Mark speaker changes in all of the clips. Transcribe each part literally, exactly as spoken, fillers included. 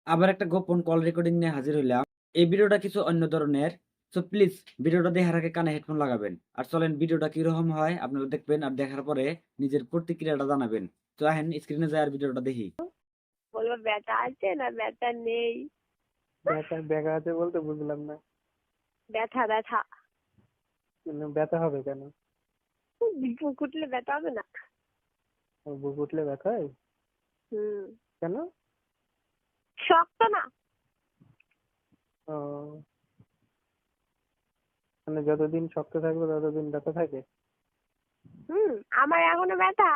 Speaker 1: আবার একটা গোপন কল রেকর্ডিং নিয়ে হাজির হইলাম। এই ভিডিওটা কিছু অন্য ধরনের। সো প্লিজ ভিডিওটা দেখার আগে কানে হেডফোন লাগাবেন। আর চলেন ভিডিওটা কিরকম হয় আপনারা দেখবেন আর দেখার পরে নিজের প্রতিক্রিয়াটা জানাবেন। তো আহেন স্ক্রিনে যায় আর ভিডিওটা দেখি।
Speaker 2: বলবো ব্যথা আছে না ব্যথা নেই?
Speaker 3: ব্যথা ব্যথা আছে বলতে বুঝলাম না।
Speaker 2: ব্যথা ব্যথা
Speaker 3: কিন্তু ব্যথা হবে কেন?
Speaker 2: বুক উঠলে ব্যথা হবে না?
Speaker 3: ও, বুক উঠলে ব্যথা হয়?
Speaker 2: হুম।
Speaker 3: কেন?
Speaker 2: শক্ত না?
Speaker 3: ও, মানে যতদিন শক্ত থাকবে ততদিন ব্যথা থাকে?
Speaker 2: হুম। আমার এখনো ব্যথা।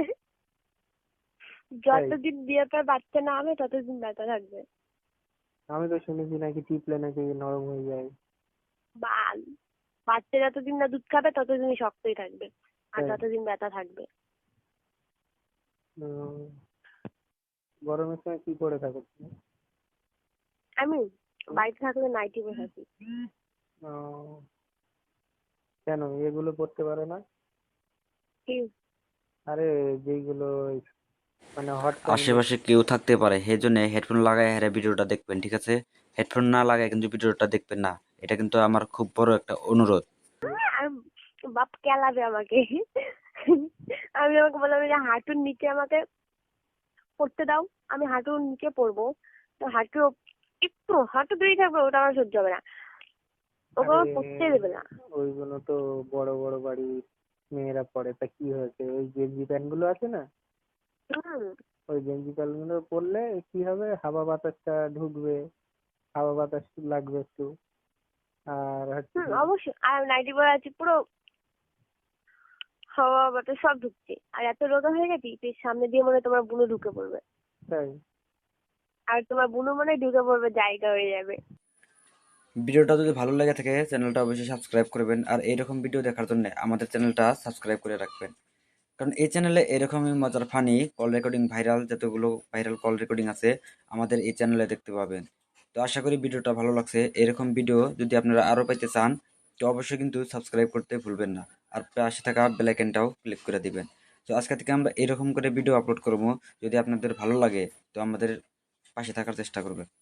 Speaker 3: তাই?
Speaker 2: যতদিন বিয়ে পর বাচ্চা না হবে ততদিন ব্যথা থাকবে।
Speaker 3: আমি তো শুনেছি নাকি টিপলে নাকি নরম হয়ে যায়।
Speaker 2: বাল, বাচ্চা যতদিন না দুধ খাবে ততদিনই শক্তই থাকবে, আর
Speaker 3: তাই?
Speaker 2: ততদিন ব্যথা থাকবে।
Speaker 3: উম, গরমের সময় কি করে থাকো তুমি?
Speaker 2: আমি বাড়িতে থাকলে নাইটি পরে থাকি।
Speaker 3: ও, কেন এগুলো পড়তে পারো না?
Speaker 2: কি?
Speaker 3: আরে যেইগুলো ওই মানে হট প্যান্ট গুলো।
Speaker 1: আশেপাশে কেউ থাকতে পারে সেজন্য হেডফোন লাগায় হেরে ভিডিওটা দেখবেন, ঠিক আছে? হেডফোন না লাগায় কিন্তু ভিডিওটা দেখবেন না। এটা কিন্তু আমার খুব বড় একটা অনুরোধ।
Speaker 2: আর বাপ কেলাবে আমাকে। আমি আমাকে বললাম যে হাঁটুর নিচে আমাকে পড়তে দাও, আমি হাঁটুর নিচে পড়বো। তো হাঁটু একটু হাঁটু দূরেই থাকবে, ওটা আমার সহ্য হবে না, ওকে
Speaker 3: আরে
Speaker 2: আমার পড়তে দেবে না।
Speaker 3: ওইগুলো তো বড় বড় বাড়ির মেয়েরা পরে, তা কি হয়েছে? ওই গেঞ্জি প্যান্ট গুলো আছে না,
Speaker 2: হুম।
Speaker 3: ওই গেঞ্জি প্যান্ট গুলো পরলে কি হবে, হাওয়া বাতাসটা ঢুকবে, হাওয়া বাতাস লাগবে একটু। আর হচ্ছে
Speaker 2: হুম,
Speaker 3: কি,
Speaker 2: অবশ্যই। আর নাইটি পরে আছি, পুরো হাওয়া বাতাস সব ঢুকছে, আর এত রোগা হয়ে গেছি যে সামনে দিয়ে মনে হয় তোমার বুনো ঢুকে পড়বে,
Speaker 3: তাই?
Speaker 2: আর তোমার বুনো মনে হয় ঢুকে পড়বে, জায়গা হয়ে যাবে।
Speaker 1: ভিডিওটা যদি ভালো লেগে থাকে চ্যানেলটা অবশ্যই সাবস্ক্রাইব করবেন, আর এইরকম ভিডিও দেখার জন্য আমাদের চ্যানেলটা সাবস্ক্রাইব করে রাখবেন। কারণ এই চ্যানেলে এরকমই মজার ফানি কল রেকর্ডিং, ভাইরাল যতগুলো ভাইরাল কল রেকর্ডিং আছে আমাদের এই চ্যানেলে দেখতে পাবেন। তো আশা করি ভিডিওটা ভালো লাগছে। এরকম ভিডিও যদি আপনারা আরও পাইতে চান তো অবশ্যই কিন্তু সাবস্ক্রাইব করতে ভুলবেন না, আর পাশে থাকা বেল আইকনটাও ক্লিক করে দিবেন। তো আজকে থেকে আমরা এরকম করে ভিডিও আপলোড করবো। যদি আপনাদের ভালো লাগে তো আমাদের পাশে থাকার চেষ্টা করবেন।